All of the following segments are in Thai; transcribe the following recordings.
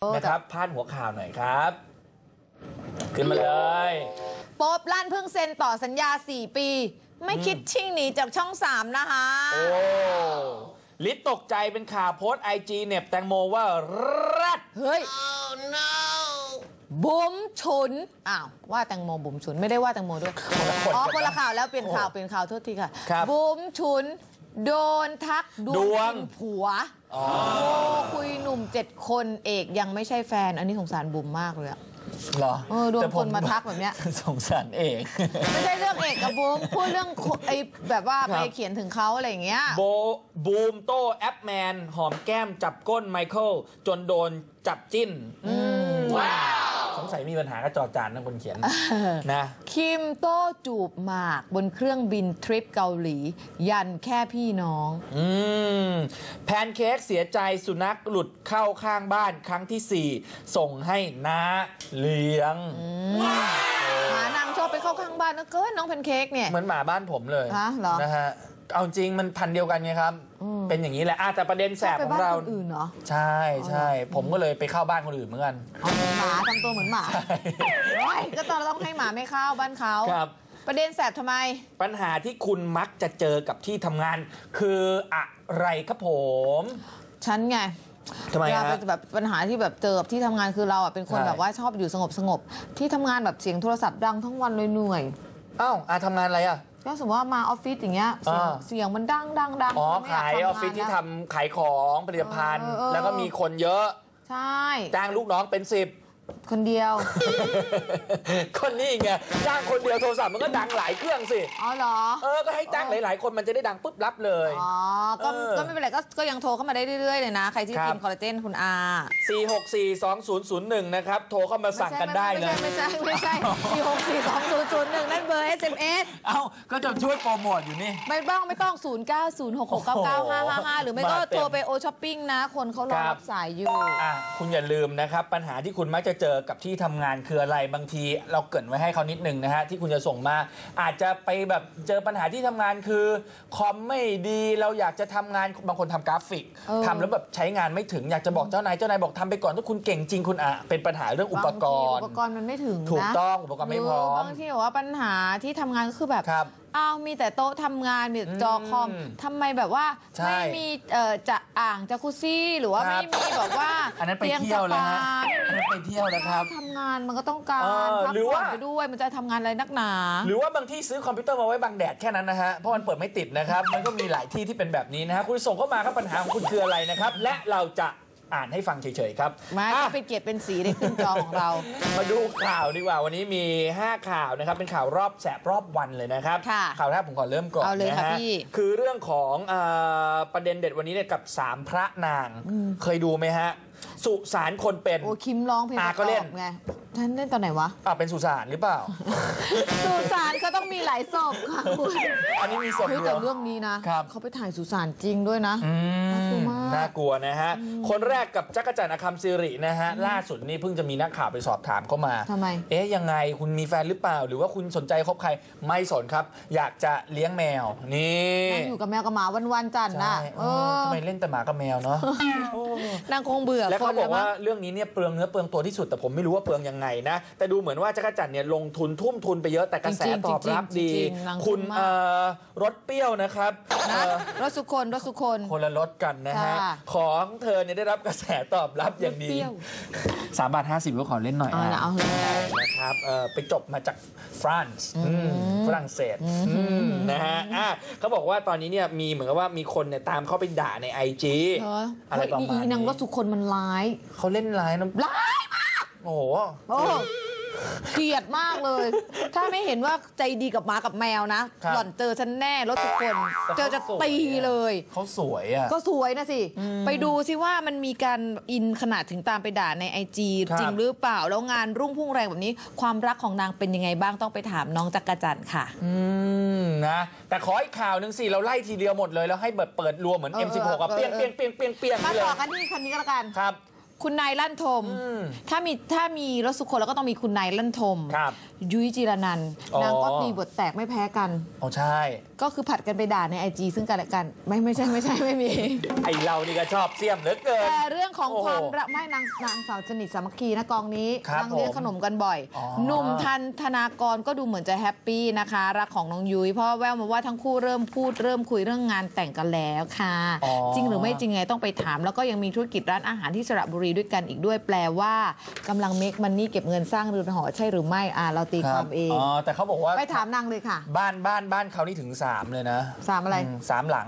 นะครับพาดหัวข่าวหน่อยครับขึ้นมาเลยโป๊ปลั่นเพิ่งเซ็นต่อสัญญา4 ปีไม่คิดชิ่งหนีจากช่อง3นะคะโอ้ลิศตกใจเป็นข่าวโพสต์IG เน็บแตงโมว่ารัดเฮ้ย oh, no. บุ๋มฉุนอ้าวว่าแตงโมบุ๋มฉุนไม่ได้ว่าแตงโมด้วยอ๋อคนละข่าวแล้วเปลี่ยนข่าวโทษทีค่ะบุ๋มฉุนโดนทักดวงผัวโอ้คุยหนุ่ม7 คนเอกยังไม่ใช่แฟนอันนี้สงสารบุ๋มมากเลยอะเหรอโดนคนมาทักแบบเนี้ยสงสารเอกไม่ใช่เรื่องเอกกับบูมพูดเรื่องไอ้แบบว่าไปเขียนถึงเขาอะไรอย่างเงี้ยบูมโต้แอปแมนหอมแก้มจับก้นไมเคิลจนโดนจับจิ้นสงสัยมีปัญหากับจอจานนะคนเขียนนะคิมโต้จูบหมากบนเครื่องบินทริปเกาหลียันแค่พี่น้องแพนเค้กเสียใจสุนัขหลุดเข้าข้างบ้านครั้งที่4ส่งให้น้าเลี้ยงหมานางชอบไปเข้าข้างบ้านนะเกินน้องแพนเค้กเนี่ยเหมือนหมาบ้านผมเลยนะฮะเอาจริงมันพันเดียวกันไงครับเป็นอย่างนี้แหละแต่ประเด็นแสบของเราใช่ผมก็เลยไปเข้าบ้านคนอื่นเหมือนกันหมาทำตัวเหมือนหมาก็ต้องให้หมาไม่เข้าบ้านเขาประเด็นแสบทำไมปัญหาที่คุณมักจะเจอกับที่ทำงานคืออะไรครับผมฉันไงทำไมเราเป็นแบบปัญหาที่แบบเจอกับที่ทำงานคือเราเป็นคนแบบว่าชอบอยู่สงบที่ทำงานแบบเสียงโทรศัพท์ดังทั้งวันเลยเหนื่อยอ้าวทำงานอะไรก็สมมติว่ามาออฟฟิศอย่างเงี้ยเสียงมันดังอ๋อขายออฟฟิศที่ทำขายของผลิตภัณฑ์แล้วก็มีคนเยอะใช่จ้างลูกน้องเป็น10 คนเดียวคนนี้ไงจ้างคนเดียวโทรศัพท์มันก็ดังหลายเครื่องสิอ๋อเหรอก็ให้จ้างหลายๆคนมันจะได้ดังปุ๊บรับเลยอ๋อก็ไม่เป็นไรก็ยังโทรเข้ามาได้เรื่อยๆเลยนะใครที่กินคอลลาเจนคุณ 4642001นะครับโทรเข้ามาสั่งกันได้เลยไม่ใช่4642001นั่นเบอร์ SMS ก็จะช่วยโปรโมทอยู่นี่ไม่ต้อง0906699555หรือไม่ก็โทรไปโอช้อปปิ้งนะคนเขารอรับสายอยู่คุณอย่าลืมนะครับปัญหาที่คุณมักจะเจอกับที่ทำงานคืออะไรบางทีเราเกริ่นไว้ให้เขานิดนึงนะฮะที่คุณจะส่งมาอาจจะไปแบบเจอปัญหาที่ทำงานคือคอมไม่ดีเราอยากจะทำงานบางคนทำกราฟิกทำแล้วแบบใช้งานไม่ถึงอยากจะบอกเจ้านายบอกทำไปก่อนถ้าคุณเก่งจริงคุณเป็นปัญหาเรื่องอุปกรณ์มันไม่ถึงถูกต้องอุปกรณ์ไม่พร้อมบางทีว่าปัญหาที่ทำงานก็คือแบบมีแต่โต๊ะทำงานมีจอคอมทำไมแบบว่าไม่มีจะจักรุซี่หรือว่าไม่มีแบบว่าอันนั้นไปเที่ยวแล้วฮะอันนั้นไปเที่ยวแล้วครับทำงานมันก็ต้องการพักผ่อนไปด้วยมันจะทำงานอะไรนักหนาหรือว่าบางที่ซื้อคอมพิวเตอร์มาไว้บังแดดแค่นั้นนะฮะเพราะมันเปิดไม่ติดนะครับมันก็มีหลายที่ที่เป็นแบบนี้นะฮะคุณส่งเข้ามาครับปัญหาของคุณคืออะไรนะครับและเราจะอ่านให้ฟังเฉยๆครับมาเป็นเกียรติเป็นสีในขึ้นจอของเรามาดูข่าวดีกว่าวันนี้มี5ข่าวนะครับเป็นข่าวรอบแสบรอบวันเลยนะครับข่าวแรกผมขอเริ่มก่อนนะฮะคือเรื่องของประเด็นเด็ดวันนี้เนี่ยกับ3พระนางเคยดูไหมฮะสุสานคนเป็นโอ้คิมร้องเพลงก็เล่นไงท่านเล่นตอนไหนวะเป็นสุสานหรือเปล่าสุสานก็ต้องมีหลายศพค่ะคุณอันนี้มีศพแต่เรื่องนี้นะเขาไปถ่ายสุสานจริงด้วยนะน่ากลัวนะฮะคนแรกกับจักรจันทร์อคัมซิรินะฮะล่าสุดนี่เพิ่งจะมีนักข่าวไปสอบถามเข้ามาทำไมยังไงคุณมีแฟนหรือเปล่าหรือว่าคุณสนใจคบใครไม่สนครับอยากจะเลี้ยงแมวนี่นั่งอยู่กับแมวกับหมาวันๆจันนะทำไมเล่นแต่หมากับแมวเนาะนางคงเบื่อแล้วเขาบอกว่าเรื่องนี้เนี่ยเปลืองเนื้อเปลืองตัวที่สุดแต่ผมไม่รู้ว่าเปลืองยังไงนะแต่ดูเหมือนว่าจักรจันทร์เนี่ยลงทุนทุ่มทุนไปเยอะแต่กระแสตอบรับดีคุณรสเปรี้ยวนะครับรสสุคนคนละรสกันนะฮะของเธอเนี่ยได้รับกระแสตอบรับอย่างดี3.50 ก็ขอเล่นหน่อยนะครับไปจบมาจากฝรั่งเศสนะฮะเขาบอกว่าตอนนี้เนี่ยมีเหมือนกับว่ามีคนเนี่ยตามเข้าไปด่าใน IG อะไรประมาณนี้นางรสสุคนมันร้ายเขาเล่นร้ายนะร้ายมากโอ้โหเกลียดมากเลยถ้าไม่เห็นว่าใจดีกับหมากับแมวนะหล่อนเจอฉันแน่รถทุกคนเจอจะตีเลยเขาสวยก็สวยนะสิไปดูสิว่ามันมีการอินขนาดถึงตามไปด่าใน IG จริงหรือเปล่าแล้วงานรุ่งพุ่งแรงแบบนี้ความรักของนางเป็นยังไงบ้างต้องไปถามน้องจักรจันทร์ค่ะนะแต่ขออีกข่าวหนึ่งสิเราไล่ทีเดียวหมดเลยแล้วให้เปิดรวมเหมือน M16 เปี้ยงมาต่อกันที่คันนี้ก็แล้วกันครับคุณนายลั่นทมถ้ามีรสสุคนแล้วก็ต้องมีคุณนายลั่นทมครับยุ้ยจีรนันท์นางก็มีบทแตกไม่แพ้กันอ๋อใช่ก็คือผัดกันไปด่าใน IG ซึ่งกันและกันไม่ใช่ไม่มีไอเรานี่ก็ชอบเสี่ยมเหลือเกินแต่เรื่องของความรักไม่นางสาวสนิทสามัคคีนะกองนี้นางเลี้ยงขนมกันบ่อยหนุ่มธนากรก็ดูเหมือนจะแฮปปี้นะคะรักของน้องยุ้ยเพราะแววมาว่าทั้งคู่เริ่มพูดเริ่มคุยเรื่องงานแต่งกันแล้วค่ะจริงหรือไม่จริงไงต้องไปถามแล้วก็ยังมีธุรกิจร้านอาหารที่สระบุรีด้วยกันอีกด้วยแปลว่ากำลังเมคมันนี่เก็บเงินสร้างเรือนหอใช่หรือไม่เราตีความเองแต่เขาบอกว่าไปถามนางเลยค่ะบ้านเขานี่ถึง3เลยนะ 3อะไร 3 หลัง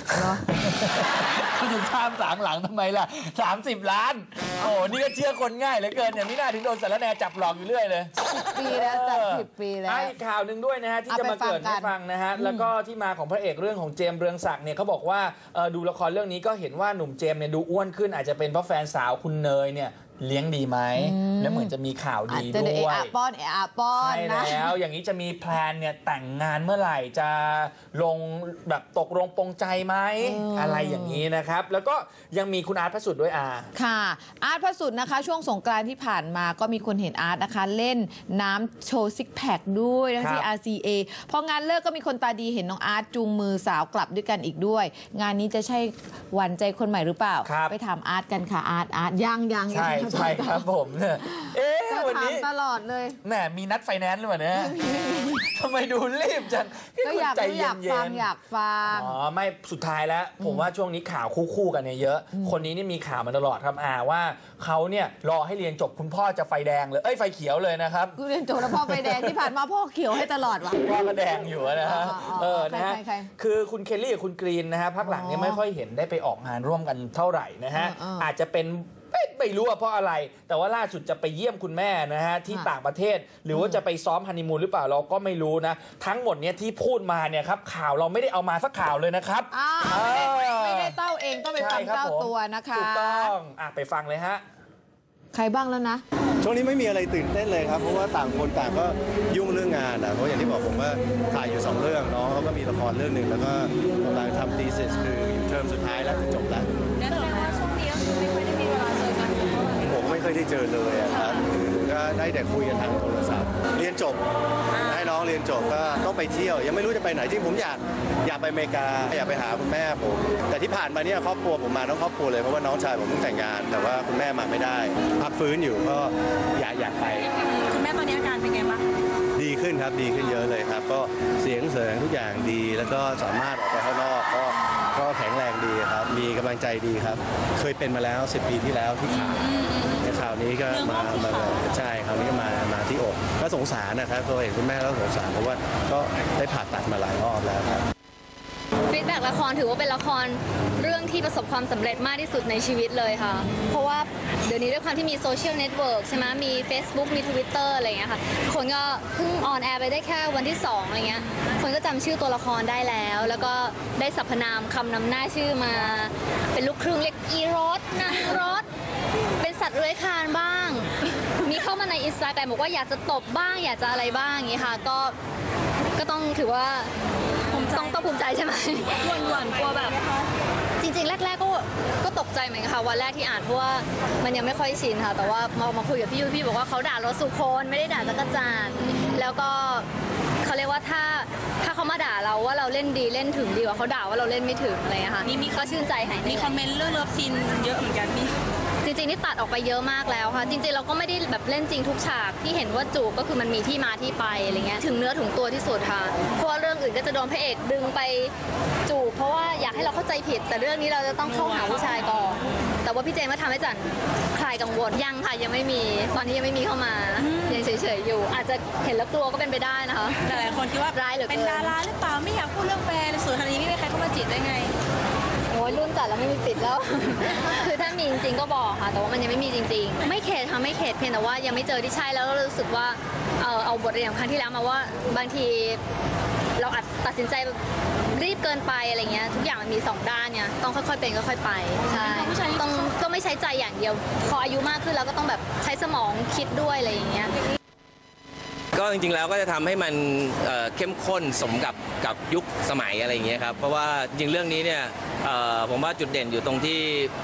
เขาจะสร้าง3 หลังทำไมล่ะ30 ล้านโอ้นี่ก็เชื่อคนง่ายเหลือเกินอย่างนี้น่าถึงโดนสารแหน่จับหลอกอยู่เรื่อยเลย 10 ปีแล้วจับ10 ปีแล้วอีกข่าวหนึ่งด้วยนะฮะที่จะมาเกิดให้ฟังนะฮะแล้วก็ที่มาของพระเอกเรื่องของเจมส์เรืองศักดิ์เนี่ยเขาบอกว่าดูละครเรื่องนี้ก็เห็นว่าหนุ่มเจมส์เนี่ยดูอ้วนขึ้นอาจจะเป็นเพราะแฟนสาวคุณเนยเนี่ยเลี้ยงดีไหมแล้วเหมือนจะมีข่าวดีด้วยป้อนใช่แล้วอย่างนี้จะมีแพลนเนี่ยแต่งงานเมื่อไหร่จะลงแบบตกลงปรงใจไหมอะไรอย่างนี้นะครับแล้วก็ยังมีคุณอาร์ตพระสุดด้วยค่ะอาร์ตพระสุดนะคะช่วงสงกรานต์ที่ผ่านมาก็มีคนเห็นอาร์ตนะคะเล่นน้ำโชว์ซิกแพคด้วยทั้งที่ RCA พองานเลิกก็มีคนตาดีเห็นน้องอาร์ตจูงมือสาวกลับด้วยกันอีกด้วยงานนี้จะใช่หวานใจคนใหม่หรือเปล่าไปถามอาร์ตกันค่ะอาร์ตยังใช่ครับผมเนี่ยวันนี้ตลอดเลยแหมมีนัดไฟแนนซ์หรือเปล่าเนี่ยทำไมดูรีบจังก็อยากฟังไม่สุดท้ายแล้วผมว่าช่วงนี้ข่าวคู่กันเนี่ยเยอะคนนี้นี่มีข่าวมาตลอดครับว่าเขาเนี่ยรอให้เรียนจบคุณพ่อจะไฟแดงเลยไฟเขียวเลยนะครับเรียนจบแล้วพ่อไฟแดงที่ผ่านมาพ่อเขียวให้ตลอดวะพ่อก็แดงอยู่นะฮะนะฮะคือคุณเคลลี่กับคุณกรีนนะฮะพักหลังเนี่ยไม่ค่อยเห็นได้ไปออกงานร่วมกันเท่าไหร่นะฮะอาจจะเป็นไม่รู้ว่าเพราะอะไรแต่ว่าล่าสุดจะไปเยี่ยมคุณแม่นะฮะที่ต่างประเทศหรือว่าจะไปซ้อมฮันนีมูนหรือเปล่าเราก็ไม่รู้นะทั้งหมดเนี้ยที่พูดมาเนี่ยครับข่าวเราไม่ได้เอามาสักข่าวเลยนะครับไม่ได้เต้าเองต้องไปฟังเจ้าตัวนะคะถูกต้องไปฟังเลยฮะใครบ้างแล้วนะช่วงนี้ไม่มีอะไรตื่นเต้นเลยครับเพราะว่าต่างคนต่างก็ยุ่งเรื่องงานเพราะอย่างที่บอกผมว่าถ่ายอยู่2เรื่องน้องเขาก็มีละครเรื่องหนึ่งแล้วก็กำลังทำ thesis คืออยู่เทอมสุดท้ายแล้วจะจบแล้วนั่นแปลว่าช่วงนี้ก็คือไม่ค่อยได้มีเวลาเจอกันผมไม่เคยได้เจอเลยครับก็ได้แต่คุยกันทางโทรศัพท์เรียนจบให้น้องเรียนจบก็ต้องไปเที่ยวยังไม่รู้จะไปไหนจริงผมอยากไปอเมริกาอยากไปหาคุณแม่ผมแต่ที่ผ่านมาเนี่ยครอบครัวผมมาทั้งครอบครัวเลยเพราะว่าน้องชายผมเพิ่งแต่งงานแต่ว่าคุณแม่มาไม่ได้พักฟื้นอยู่ก็อยากไปคุณแม่ตอนนี้อาการเป็นไงบ้างดีขึ้นครับดีขึ้นเยอะเลยครับก็เสียงทุกอย่างดีแล้วก็สามารถออกไปข้างนอกก็แข็งแรงดีครับมีกำลังใจดีครับเคยเป็นมาแล้ว10 ปีที่แล้วที่ขาในข่าวนี้ก็มาใช่คราวนี้มาที่อกก็สงสารนะครับพอเห็นคุณแม่แล้วสงสารเพราะว่าก็ได้ผ่าตัดมาหลายรอบแล้วครับฟีดแบ็กละครถือว่าเป็นละครเรื่องที่ประสบความสำเร็จมากที่สุดในชีวิตเลยค่ะเพราะว่าเดี๋ยวนี้ด้วยความที่มีโซเชียลเน็ตเวิร์กใช่ไหมมี Facebook มี Twitter อะไรอย่างเงี้ยค่ะคนก็เพิ่งออนแอร์ไปได้แค่วันที่2อะไรเงี้ยคนก็จำชื่อตัวละครได้แล้วก็ได้สรรพนามคำนำหน้าชื่อมาเป็นลูกครึ่งเรียกอีรสนางรสเป็นสัตว์เลื้อยคลานบ้างมีเข้ามาในอินสตาแกรมบอกว่าอยากจะตบบ้างอยากจะอะไรบ้างอย่างงี้ค่ะก็ต้องถือว่าต้องภูมิใจใช่ไหมหวั่นกลัวแบบจริงๆแรกๆก็ตกใจเหมือนกันค่ะวันแรกที่อ่านเพราะว่ามันยังไม่ค่อยชินค่ะแต่ว่ามาคุยกับพี่ยุ้ยพี่บอกว่าเขาด่าเราสุคนไม่ได้ด่าจักรจันทร์แล้วก็เขาเรียกว่าถ้าเขามาด่าเราว่าเราเล่นดีเล่นถึงดีกว่าเขาด่าว่าเราเล่นไม่ถึงอะไรค่ะนี่ก็ชื่นใจหายมีคอมเมนต์เรื่องเลิฟซีนเยอะเหมือนกันพี่จริงๆนี่ตัดออกไปเยอะมากแล้วค่ะจริงๆเราก็ไม่ได้แบบเล่นจริงทุกฉากที่เห็นว่าจูบก็คือมันมีที่มาที่ไปอะไรเงี้ยถึงเนื้อถึงตัวที่สุดค่ะเพราะว่าเรื่องอื่นก็จะโดนพระเอกดึงไปจูบเพราะว่าอยากให้เราเข้าใจผิดแต่เรื่องนี้เราจะต้องเข้าหาผู้ชายก่อนแต่ว่าพี่เจมส์ก็ทำให้จันคลายกังวลยังค่ะยังไม่มีตอนนี้ยังไม่มีเข้ามายังเฉยๆอยู่อาจจะเห็นแล้วกลัวก็เป็นไปได้นะคะแต่หลายคนคิดว่าร้ายหรือเป็นดาราหรือเปล่าไม่อยากพูดเรื่องแฟนส่วนทางนี้ไม่มีใครเข้ามาจีบได้ไงโอ้ยรุ่นจัดแล้วไม่มีปิดแล้ว คือถ้ามีจริงๆก็บอกค่ะแต่ว่ามันยังไม่มีจริงๆไม่เข็ดค่ะไม่เข็ดเพียงแต่ว่ายังไม่เจอที่ใช่แล้วรู้สึกว่าเอาบทเรียนของครั้งที่แล้วมาว่าบางทีเราอาจตัดสินใจรีบเกินไปอะไรเงี้ยทุกอย่างมันมี2ด้านเนี่ยต้องค่อยๆเป็นค่อยๆไปใช่ต้องไม่ใช้ใจอย่างเดียวพออายุมากขึ้นแล้วก็ต้องแบบใช้สมองคิดด้วยอะไรอย่างเงี้ยก็จริงๆแล้วก็จะทำให้มันเข้มข้นสมกับยุคสมัยอะไรอย่างเงี้ยครับเพราะว่าจริงเรื่องนี้เนี่ยผมว่าจุดเด่นอยู่ตรงที่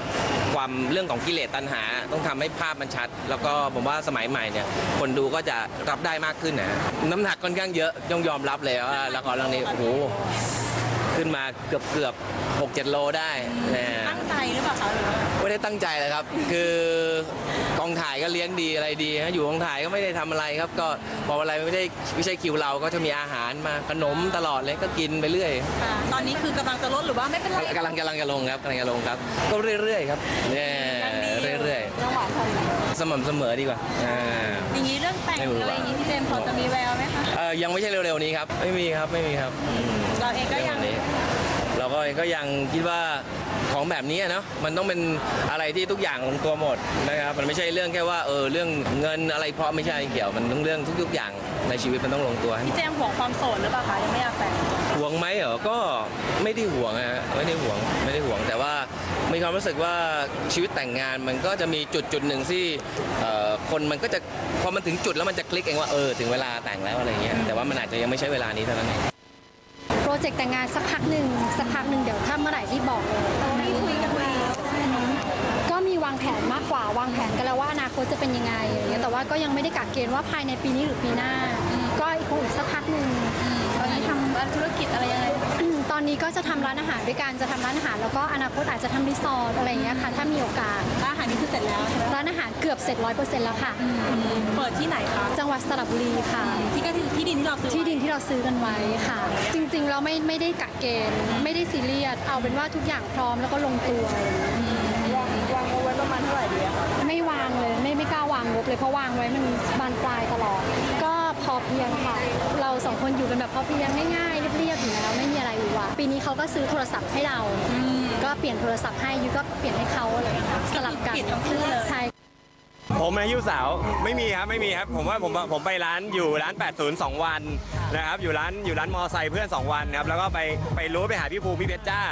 ความเรื่องของกิเลสตัณหาต้องทำให้ภาพมันชัด แล้วก็ผมว่าสมัยใหม่เนี่ยคนดูก็จะรับได้มากขึ้นนะน้ำหนักค่อนข้างเยอะต้องยอมรับเลยว่าละครเรื่องนี้โอ้โหขึ้นมาเกือบ6-7 โลได้ตั้งใจหรือเปล่าคะไม่ได้ตั้งใจเลยครับคือกองถ่ายก็เลี้ยงดีอะไรดีฮะอยู่กองถ่ายก็ไม่ได้ทำอะไรครับก็พออะไรไม่ใช่คิวเราก็จะมีอาหารมาขนมตลอดเลยก็กินไปเรื่อยตอนนี้คือกำลังจะลดหรือว่าไม่เป็นไรกำลังจะลงครับก็เรื่อยๆครับเรื่อยๆสม่ำเสมอดีกว่าอย่างนี้เรื่องแต่งอะไรอย่างนี้พี่เจมส์พอจะมีแววไหมคะยังไม่ใช่เร็วๆนี้ครับไม่มีครับเราเองก็ยังคิดว่าของแบบนี้เนาะมันต้องเป็นอะไรที่ทุกอย่างลงตัวหมดนะครับมันไม่ใช่เรื่องแค่ว่าเรื่องเงินอะไรเพราะไม่ใช่เกี่ยวมันต้องเรื่องทุกอย่างในชีวิตมันต้องลงตัวพี่เจมส์ห่วงความโสดหรือเปล่าคะยังไม่อยากแต่งห่วงไหมก็ไม่ได้ห่วงฮะไม่ได้ห่วงแต่ว่ามีความรู้สึกว่าชีวิตแต่งงานมันก็จะมีจุดหนึ่งที่คนมันก็จะพอมันถึงจุดแล้วมันจะคลิกเองว่าถึงเวลาแต่งแล้วอะไรเงี้ยแต่ว่ามันอาจจะยังไม่ใช่เวลานี้เท่านั้นเองโปรเจกต์แต่งงานสักพักหนึ่งเดี๋ยวถ้าเมื่อไหร่ที่บอกเลยไม่คุยกันมาก็มีวางแผนมากกว่าวางแผนกันแล้วว่าอนาคตจะเป็นยังไงอย่างเงี้ยแต่ว่าก็ยังไม่ได้กักเกณฑ์ว่าภายในปีนี้หรือปีหน้าก็คงอีกสักพักหนึ่งตอนนี้ทำธุรกิจอะไรยังไงตอนนี้ก็จะทำร้านอาหารด้วยกันจะทำร้านอาหารแล้วก็อนาคตอาจจะทำรีสอร์ทอะไรอย่างเงี้ยค่ะถ้ามีโอกาสร้านอาหารนี่คือเสร็จแล้วใช่ไหมร้านอาหารเกือบเสร็จ100%แล้วค่ะเปิดที่ไหนคะจังหวัดสระบุรีค่ะที่ดินที่เราซื้อกันไว้ค่ะจริงๆเราไม่ได้กักเกณฑ์ไม่ได้ซีเรียสเอาเป็นว่าทุกอย่างพร้อมแล้วก็ลงตัววางเอาไว้ประมาณเท่าไหร่ดีคะไม่วางเลยไม่กล้าวางงบเลยเพราะวางไว้มันบานปลายตลอดก็พอเพียงค่ะเรา2 คนอยู่กันแบบพอเพียงง่ายๆเรียบๆอยู่แล้วไม่มีอะไรอยู่ว่ะปีนี้เขาก็ซื้อโทรศัพท์ให้เราก็เปลี่ยนโทรศัพท์ให้ยูก็เปลี่ยนให้เขาอะไรอย่างเงี้ยสลับกันใช่ผมอายุสาวไม่มีครับผมว่าผมไปร้านอยู่ร้าน80 2 วันนะครับอยู่ร้านมอไซค์เพื่อน2 วันครับแล้วก็ไปรู้ไปหาพี่ภูมิพี่เพชรจ้า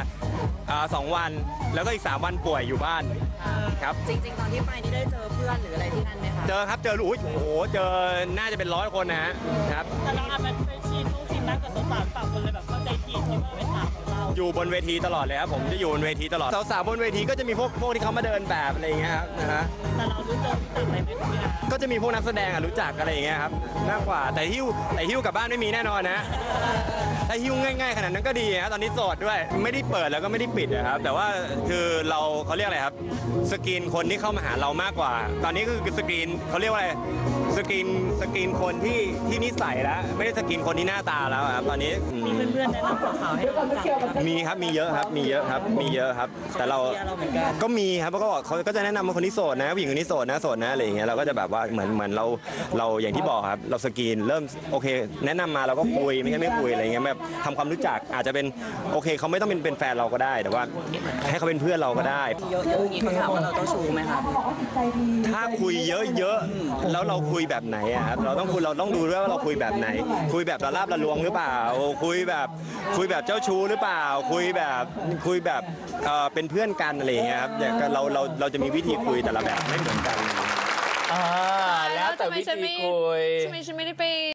2 วันแล้วก็อีก3 วันป่วยอยู่บ้านครับจริงๆตอนที่ไปนี่ได้เจอเพื่อนหรืออะไรที่นั่นไหมคะเจอครับเจอโอ้โหเจอน่าจะเป็น100 คนนะครับแต่เราอาจจะไปชิมนั่งกับสาวๆต่างคนเลยแบบเข้าใจผิดคิดว่าเป็นสาวของเราอยู่บนเวทีตลอดเลยครับผมจะอยู่บนเวทีตลอดสาวๆบนเวทีก็จะมีพวกที่เขามาเดินแบบอะไรอย่างเงี้ยครับนะฮะแต่เรารู้จักอะไรไม่รู้นะก็จะมีพวกนักแสดงรู้จักอะไรอย่างเงี้ยครับมากกว่าแต่หิ้วกลับบ้านไม่มีแน่นอนนะถ้าหิ้วง่ายๆขนาดนั้นก็ดีนะตอนนี้โสดด้วยไม่ได้เปิดแล้วก็ไม่ได้ปิดนะครับแต่ว่าคือเขาเรียกอะไรครับสกรีนคนที่เข้ามาหาเรามากกว่าตอนนี้คือสกรีนเขาเรียกว่าอะไรสกรีนคนที่นิสัยแล้วไม่ได้สกรีนคนที่หน้าตาแล้วครับตอนนี้มีเพื่อนๆแนะนำสาวๆให้รู้จักมีครับมีเยอะครับแต่เราก็มีครับเขาก็จะแนะนำว่าคนที่โสดนะผู้หญิงคนนี้โสดนะอะไรอย่างเงี้ยเราก็จะแบบว่าเหมือนเราอย่างที่บอกครับเราสกรีนเริ่มโอเคแนะนำมาเราก็คุยไม่ใช่ไม่คุยอะไรเงี้ยแบบทำความรู้จักอาจจะเป็นโอเคเขาไม่ต้องเป็นแฟนเราก็ได้แต่ว่าให้เขาเป็นเพื่อนเราก็ได้เยอะๆอย่างนี้เขาถามว่าเราเจ้าชู้ไหมครับถ้าคุยเยอะๆแล้วเราคุยแบบไหนครับเราต้องดูด้วยว่าเราคุยแบบไหนคุยแบบระลาบระลวงหรือเปล่าคุยแบบเจ้าชู้หรือเปล่าคุยแบบเป็นเพื่อนกันอะไรอย่างเงี้ยครับเราจะมีวิธีคุยแต่ละแบบไม่เหมือนกันแล้วแต่วิธีคุยทำไมฉันไม่ได้ไป